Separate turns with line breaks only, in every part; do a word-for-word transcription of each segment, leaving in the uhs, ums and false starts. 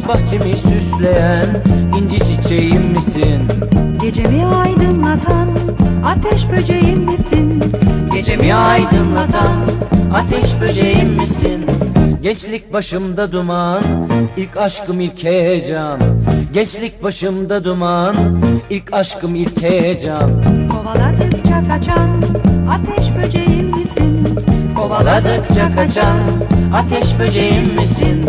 Aşk bahçemi süsleyen inci çiçeğim misin?
Gecemi aydınlatan ateş böceğim misin?
Gecemi aydınlatan ateş böceğim misin? Gençlik başımda duman, ilk aşkım ilk heyecan. Gençlik başımda duman, ilk aşkım ilk heyecan.
Kovaladıkça kaçan ateş böceğim misin?
Kovaladıkça kaçan ateş böceğim misin?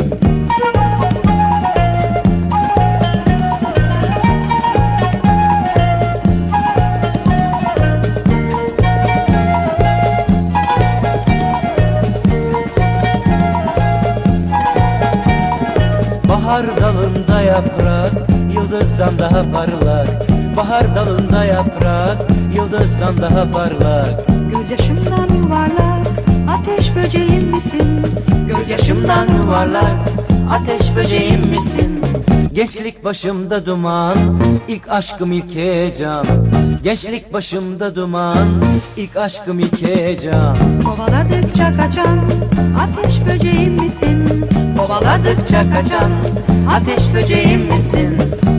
Bahar dalında yaprak, yıldızdan daha parlak. Bahar dalında yaprak, yıldızdan daha parlak.
Gözyaşımdan yuvarlak ateş böceğim misin?
Gözyaşımdan yuvarlak, ateş böceğim misin? Gençlik başımda duman, ilk aşkım ilk heyecan. Gençlik başımda duman, ilk aşkım ilk heyecan.
Kovaladıkça kaçan ateş böceğim misin?
Kovaladıkça kaçan ateş böceğim misin?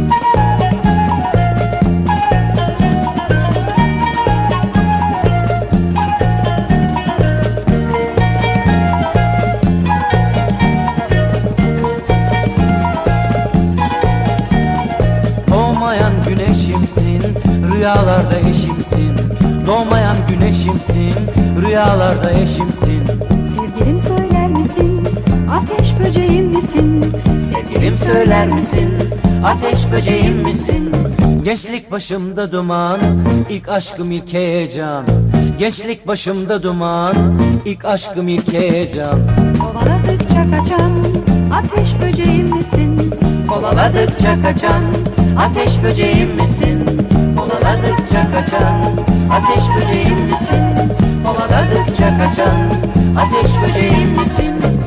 Doğmayan güneşimsin, rüyalarda eşimsin. Doğmayan güneşimsin, rüyalarda eşimsin.
Sevgilim söyler misin? Ateş böceğim misin?
Sevgilim söyler misin? Ateş böceğim misin? Gençlik başımda duman, ilk aşkım ilk heyecan. Gençlik başımda duman, ilk aşkım ilk heyecan.
Kovaladıkça kaçan ateş böceğim misin?
Kovaladıkça kaçan ateş böceğim misin? Kovaladıkça kaçan ateş böceğim misin? Kovaladıkça kaçan ateş böceğim misin?